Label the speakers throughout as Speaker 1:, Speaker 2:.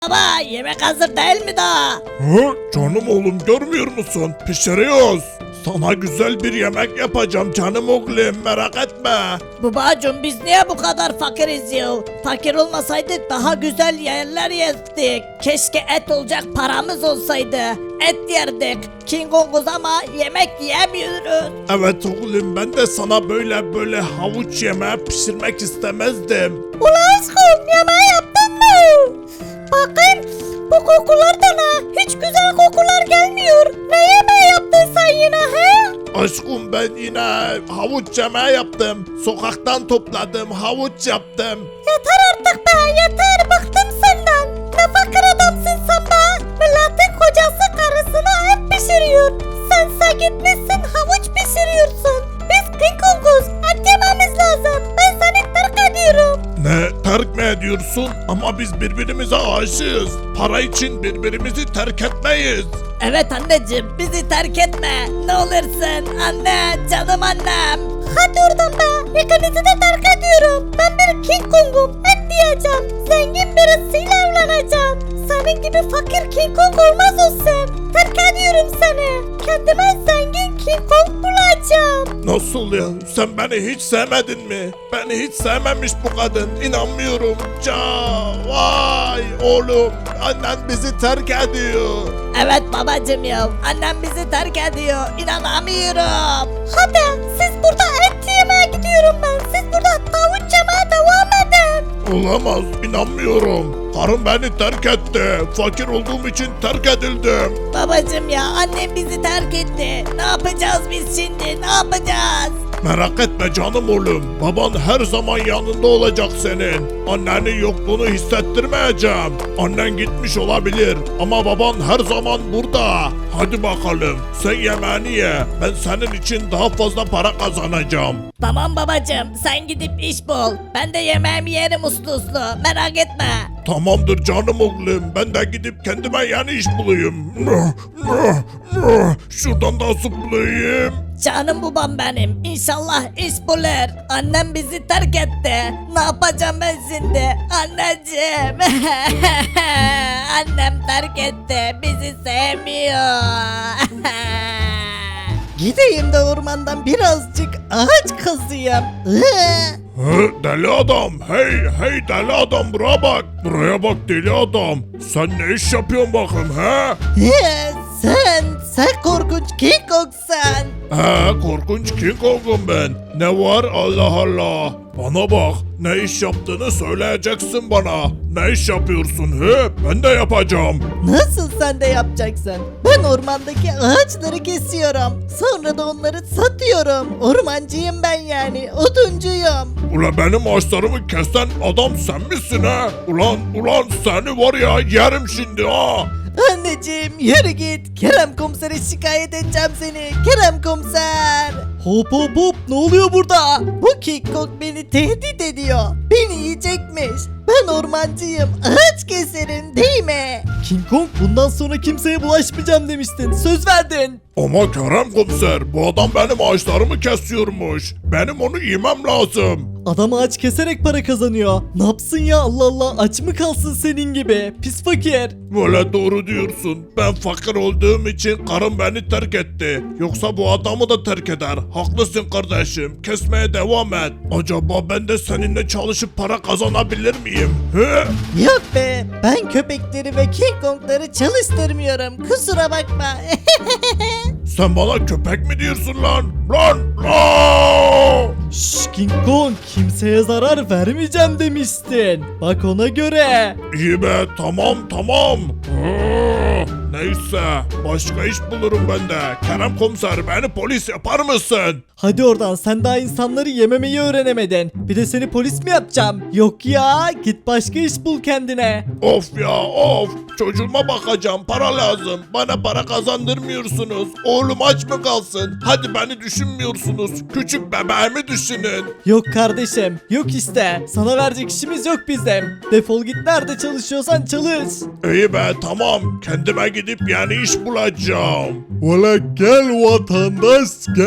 Speaker 1: Baba yemek hazır değil mi daha?
Speaker 2: Hı? Canım oğlum görmüyor musun? Pişiriyoruz. Sana güzel bir yemek yapacağım canım oğlum merak etme.
Speaker 1: Babacım biz niye bu kadar fakiriz ya? Fakir olmasaydık daha güzel yerler yerdik. Keşke et olacak paramız olsaydı. Et yerdik. King Kong'uz ama yemek yiyemiyoruz.
Speaker 2: Evet oğlum ben de sana böyle havuç yemeği pişirmek istemezdim.
Speaker 1: Ulan aşkım yemeği yaptın mı? Bakın bu kokular da ne? Hiç güzel kokular gelmiyor. Ne yemeği yaptın sen yine he?
Speaker 2: Aşkım ben yine havuç yemeği yaptım. Sokaktan topladım havuç yaptım.
Speaker 1: Yeter artık be yeter bıktım senden. Ne fakir adamsın sen be. Milletin kocası karısına et pişiriyor. Sense gitmişsin havuç pişiriyorsun. Biz King Kong'uz et yememiz lazım. Ben seni terk ediyorum.
Speaker 2: Ne terk mi ediyorsun? Ama biz birbirimize aşığız. Para için birbirimizi terk etmeyiz.
Speaker 1: Evet anneciğim bizi terk etme. Ne olursun anne canım annem. Hadi oradan be. İkinizi de terk ediyorum. Ben bir King Kong'um. Et diyeceğim. Zengin birisiyle evleneceğim. Senin gibi fakir King Kong olmaz olsun. Terk ediyorum seni. Kendime zengin King Kong bulacağım.
Speaker 2: Nasıl ya? Sen beni hiç sevmedin mi? Beni hiç sevmemiş bu kadın. İnanmıyorum. Vay oğlum. Annen bizi terk ediyor.
Speaker 1: Evet babacım ya. Annem bizi terk ediyor. İnanamıyorum. Hadi siz burada et yemeye gidiyorum ben. Siz burada tavuk yemeye devam edin.
Speaker 2: Olamaz. İnanmıyorum. Karım beni terk etti. Fakir olduğum için terk edildim.
Speaker 1: Babacım ya annem bizi terk etti. Ne yapacağız biz şimdi? Ne yapacağız?
Speaker 2: Merak etme canım oğlum. Baban her zaman yanında olacak senin. Annenin yokluğunu hissettirmeyeceğim. Annen gitmiş olabilir ama baban her zaman burada. Hadi bakalım sen yemeğini ye. Ben senin için daha fazla para kazanacağım.
Speaker 1: Tamam babacım sen gidip iş bul. Ben de yemeğimi yerim uslu uslu. Merak etme.
Speaker 2: Tamamdır canım oğlum. Ben de gidip kendime yeni iş bulayım. Şuradan da zıplayayım.
Speaker 1: Canım babam benim. İnşallah iş bulur. Annem bizi terk etti. Ne yapacağım ben şimdi? Anneciğim. Annem terk etti. Bizi sevmiyor. Gideyim de ormandan birazcık ağaç kazıyım.
Speaker 2: Deli adam, hey deli adam buraya bak. Buraya bak deli adam. Sen ne iş yapıyorsun bakayım
Speaker 1: Sen korkunç King Kong'san.
Speaker 2: Korkunç King Kong'um ben. Ne var Allah Allah. Bana bak ne iş yaptığını söyleyeceksin bana. Ne iş yapıyorsun Ben de yapacağım.
Speaker 1: Nasıl sen de yapacaksın? Ben ormandaki ağaçları kesiyorum. Sonra da onları satıyorum. Ormancıyım ben yani. Oduncuyum.
Speaker 2: Ulan benim ağaçlarımı kesen adam sen misin Ulan seni var ya yerim şimdi
Speaker 1: Anneciğim yürü git. Kerem komisere şikayet edeceğim seni. Kerem komiser. Hop hop hop ne oluyor burada? Bu King Kong beni tehdit ediyor. Beni yiyecekmiş. Ben ormancıyım. Ağaç keserim değil mi?
Speaker 3: King Kong bundan sonra kimseye bulaşmayacağım demiştin. Söz verdin.
Speaker 2: Ama Kerem komiser bu adam benim ağaçlarımı kesiyormuş. Benim onu yemem lazım.
Speaker 3: Adam ağaç keserek para kazanıyor. Ne yapsın ya Allah Allah aç mı kalsın senin gibi? Pis fakir.
Speaker 2: Böyle doğru diyorsun. Ben fakir olduğum için karım beni terk etti. Yoksa bu adamı da terk eder. Haklısın kardeşim. Kesmeye devam et. Acaba ben de seninle çalışıp para kazanabilir miyim?
Speaker 1: Yok be. Ben köpekleri ve King Kong'ları çalıştırmıyorum. Kusura bakma.
Speaker 2: Sen bana köpek mi diyorsun lan? Lan!
Speaker 3: Şşş King Kong kimseye zarar vermeyeceğim demiştin. Bak ona göre.
Speaker 2: İyi be tamam. Neyse başka iş bulurum ben de. Kerem komiser beni polis yapar mısın?
Speaker 3: Hadi oradan sen daha insanları yememeyi öğrenemedin. Bir de seni polis mi yapacağım? Yok ya git başka iş bul kendine.
Speaker 2: Of ya of. Çocuğuma bakacağım para lazım. Bana para kazandırmıyorsunuz. Oğlum aç mı kalsın? Hadi beni düşünmüyorsunuz. Küçük bebeğimi düşünün.
Speaker 3: Yok kardeşim yok işte. Sana verecek işimiz yok bizim. Defol git nerede çalışıyorsan çalış.
Speaker 2: İyi be tamam. Kendime gidip yeni iş bulacağım.
Speaker 4: Valla gel vatandaş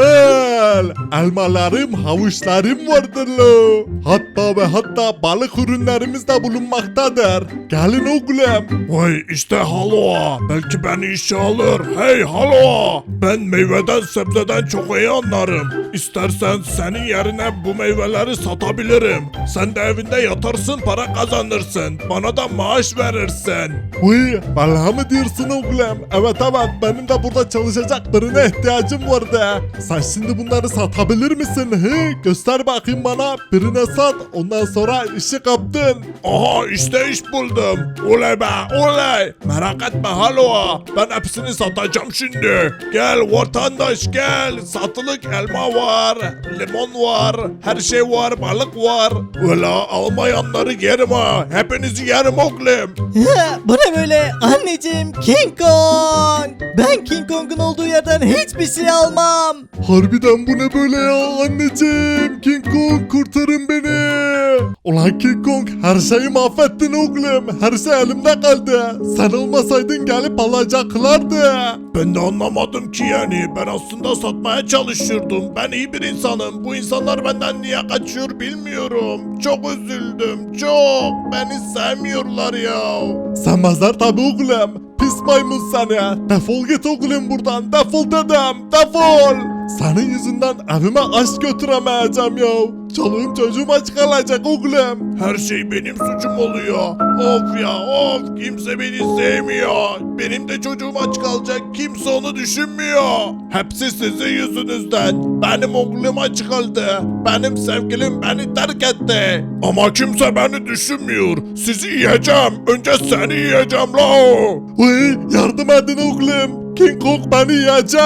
Speaker 4: gel. Elmalarım, havuçlarım vardır lo. Hatta ve hatta balık ürünlerimiz de bulunmaktadır. Gelin oğlum.
Speaker 2: Vay işte Halo. Belki beni işe alır. Hey Halo. Ben meyveden sebzeden çok iyi anlarım. İstersen senin yerine bu meyveleri satabilirim. Sen de evinde yatarsın para kazanırsın. Bana da maaş verirsin.
Speaker 4: Uy, vallahi mı diyorsun oğlum? Evet evet, benim de burada çalışacak birine ihtiyacım vardı. Sen şimdi bunları satabilir misin? He? Göster bakayım bana. Birine sat, ondan sonra işi kaptın.
Speaker 2: Aha işte iş buldum. Oley be oley. Merak etme Halo. Ben hepsini satacağım şimdi. Gel vatandaş gel. Satılık elma var. Limon var. Her şey var. Balık var. Valla almayanları yerim ha. Hepinizi yerim oğlum.
Speaker 3: Bu ne böyle? Anneciğim, King Kong. Ben King Kong'un olduğu yerden hiçbir şey almam.
Speaker 4: Harbiden bu ne böyle ya anneciğim? King Kong kurtarın beni. Ulan King Kong, her şeyi mahvettin oğlum. Her şey elimde kaldı. Sen olmasaydın gelip alacaklardı.
Speaker 2: Ben de anlamadım ki yani. Ben aslında satmaya çalışıyordum. Ben iyi bir insanım. Bu insanlar benden niye kaçıyor bilmiyorum. Çok üzüldüm. Çok. Beni sevmiyorlar ya.
Speaker 4: Sevmezler tabi oğlum. Pis maymun seni. Defol git oğlum buradan. Defol dedim. Defol. Senin yüzünden evime aş götüremeyeceğim ya. Çoluğum çocuğum aç kalacak oğlum.
Speaker 2: Her şey benim suçum oluyor. Of ya of. Kimse beni sevmiyor. Benim de çocuğum aç kalacak. Kimse onu düşünmüyor. Hepsi sizin yüzünüzden. Benim oğlum aç kaldı. Benim sevgilim beni terk etti. Ama kimse beni düşünmüyor. Sizi yiyeceğim. Önce seni yiyeceğim la.
Speaker 4: Uy, yardım edin oğlum. King Kong beni yiyecek.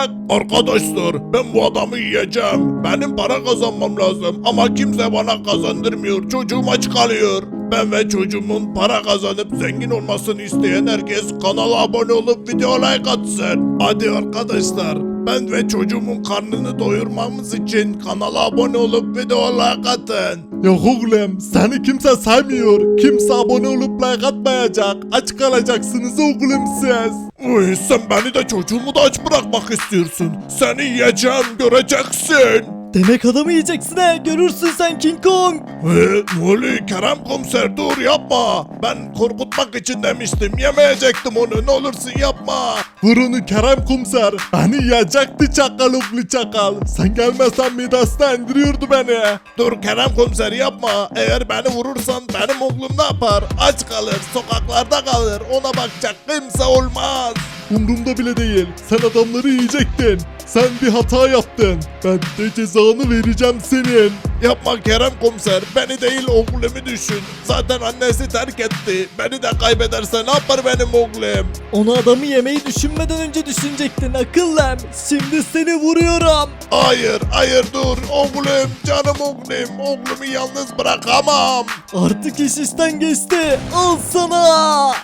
Speaker 2: Arkadaşlar ben bu adamı yiyeceğim. Benim para kazanmam lazım ama kimse bana kazandırmıyor. Çocuğum aç kalıyor. Ben ve çocuğumun para kazanıp zengin olmasını isteyen herkes kanala abone olup video like atsın. Hadi arkadaşlar ben ve çocuğumun karnını doyurmamız için kanala abone olup video like atın.
Speaker 4: Yok oğlum, seni kimse saymıyor. Kimse abone olup like atmayacak. Aç kalacaksınız oğlum siz.
Speaker 2: Uy, sen beni de çocuğumu da aç bırakmak istiyorsun. Seni yiyeceğim göreceksin.
Speaker 3: Demek adamı yiyeceksin he. Görürsün sen King Kong.
Speaker 2: Ne oluyor Kerem komiser dur yapma. Ben korkutmak için demiştim yemeyecektim onu ne olursun yapma.
Speaker 4: Vur onu Kerem komiser. Beni yiyecekti çakal oğlu çakal. Sen gelmezsen midesine indiriyordu beni.
Speaker 2: Dur Kerem komiser yapma. Eğer beni vurursan benim oğlum ne yapar? Aç kalır sokaklarda kalır ona bakacak kimse olmaz.
Speaker 4: Umrumda bile değil. Sen adamları yiyecektin. Sen bir hata yaptın. Ben de cezanı vereceğim senin.
Speaker 2: Yapma Kerem komiser beni değil oğlumu düşün. Zaten annesi terk etti. Beni de kaybederse ne yapar benim oğlum?
Speaker 3: Onu adamı yemeyi düşünmeden önce düşünecektin akıllım. Şimdi seni vuruyorum.
Speaker 2: Hayır dur oğlum canım oğlum. Oğlumu yalnız bırakamam.
Speaker 3: Artık iş işten geçti. Al sana.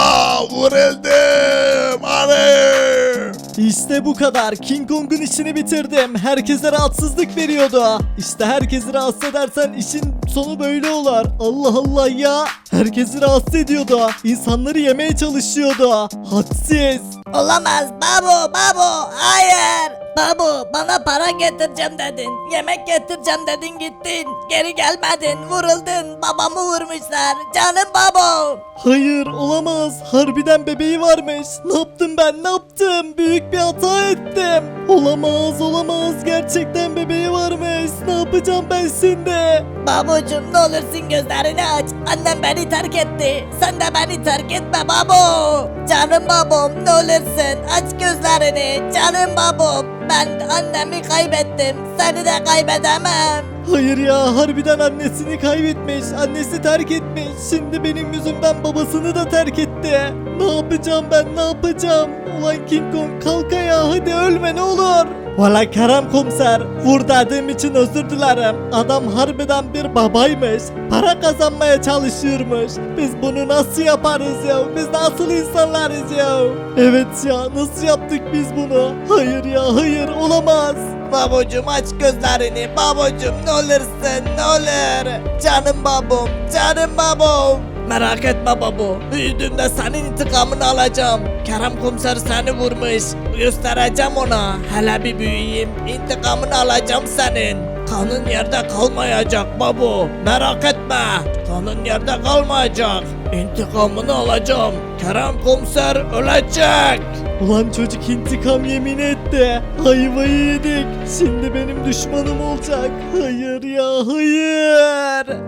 Speaker 2: Vuruldum. Anne.
Speaker 3: İşte bu kadar. King Kong'un işini bitirdim. Herkese rahatsızlık veriyordu. İşte herkesi rahatsız edersen işin sonu böyle olur. Allah Allah ya. Herkesi rahatsız ediyordu. İnsanları yemeye çalışıyordu. Hadsiz.
Speaker 1: Olamaz babu hayır. Babu bana para getireceğim dedin. Yemek getireceğim dedin gittin. Geri gelmedin vuruldun babamı vurmuşlar. Canım babu.
Speaker 3: Hayır olamaz. Harbiden bebeği varmış. Ne yaptım ben ne yaptım? Büyük bir hata ettim. Olamaz. Gerçekten bebeği varmış. Ne yapacağım ben şimdi?
Speaker 1: Babucum ne olursun gözlerini aç. Annem beni terk etti. Sen de beni terk etme babu. Canım babam ne olursun aç gözlerini. Canım babam ben annemi kaybettim. Seni de kaybedemem.
Speaker 3: Hayır ya harbiden annesini kaybetmiş. Annesi terk etmiş. Şimdi benim yüzümden babasını da terk etti. Ne yapacağım ben ne yapacağım? Ulan King Kong kalk ayağa hadi ölme ne olur. Valla Kerem komiser vur dediğim için özür dilerim. Adam harbiden bir babaymış. Para kazanmaya çalışıyormuş. Biz bunu nasıl yaparız ya? Biz nasıl insanlarız ya? Evet ya nasıl yaptık biz bunu? Hayır ya hayır olamaz.
Speaker 1: Babucum aç gözlerini babucum ne olursun ne olur. Canım babam canım babam. Merak etme babu. Büyüdüğümde senin intikamını alacağım. Kerem komiser seni vurmuş. Göstereceğim ona. Hele bir büyüyeyim. İntikamını alacağım senin. Kanın yerde kalmayacak babu. Merak etme. Kanın yerde kalmayacak. İntikamını alacağım. Kerem komiser ölecek.
Speaker 3: Ulan çocuk intikam yemin etti. Ayvayı yedik. Şimdi benim düşmanım olacak. Hayır ya hayır.